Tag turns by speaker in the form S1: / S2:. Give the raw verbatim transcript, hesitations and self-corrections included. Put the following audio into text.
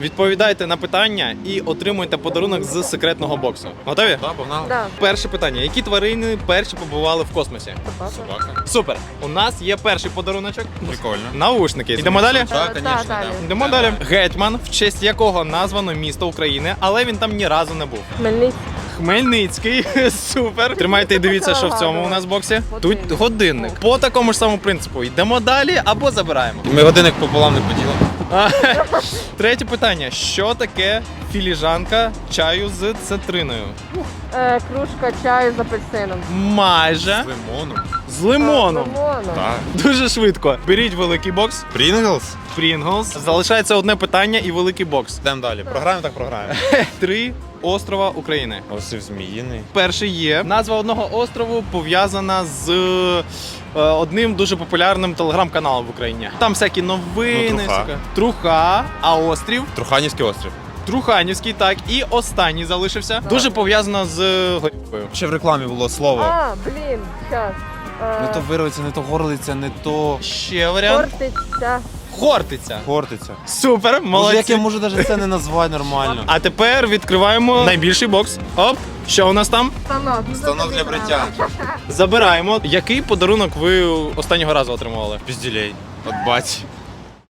S1: Відповідайте на питання і отримуйте подарунок з секретного боксу. Готові?
S2: Так, погнали.
S3: Да.
S1: Перше питання. Які тварини перші побували в космосі?
S2: Собака.
S1: Супер! У нас є перший подаруночок.
S2: Прикольно.
S1: Наушники. Йдемо далі?
S2: Так,
S3: Е,
S2: звісно,
S3: да, далі.
S2: да.
S1: Йдемо далі. Гетьман, в честь якого названо місто України, але він там ні разу не був.
S3: Хмельницький.
S1: Хмельницький. Супер. Тримайте і дивіться, що в цьому у нас боксі. Тут годинник. По такому ж самому принципу. Йдемо далі або забираємо.
S2: Ми годинник пополам не поділимо.
S1: А, Третє питання. Що таке філіжанка чаю з цитриною?
S3: Е, кружка чаю з апельсином.
S1: Майже.
S2: З лимоном.
S1: З лимоном.
S3: З лимоном.
S2: Так.
S1: Дуже швидко. Беріть великий бокс.
S2: Прінглс?
S1: Pringles. Залишається одне питання і великий бокс.
S2: Йдемо далі. Програємо, так програємо.
S1: Три острова України.
S2: Острів Зміїний.
S1: Перший є. Назва одного острову пов'язана з е, одним дуже популярним телеграм-каналом в Україні. Там всякі новини.
S2: Ну, Труха.
S1: всяке. Труха, а острів
S2: Труханівський острів.
S1: Труханівський, так. І останній залишився. Дуже пов'язано з горілкою.
S2: Ще в рекламі було слово.
S3: А, блін, щас. Е,
S2: Не то вирвиться, не то горлиця, не то
S1: Ще варіант.
S3: Хортиця.
S1: Хортиця.
S2: хортиця.
S1: Супер,
S2: Може,
S1: молодці.
S2: як я можу навіть це не назвати нормально?
S1: А тепер відкриваємо найбільший бокс. Оп, що у нас там?
S3: Станок. Ну,
S2: Станок
S3: тобі
S2: для
S3: треба.
S2: бриття.
S1: Забираємо. Який подарунок ви останнього разу отримували?
S2: Пізділей. От бать.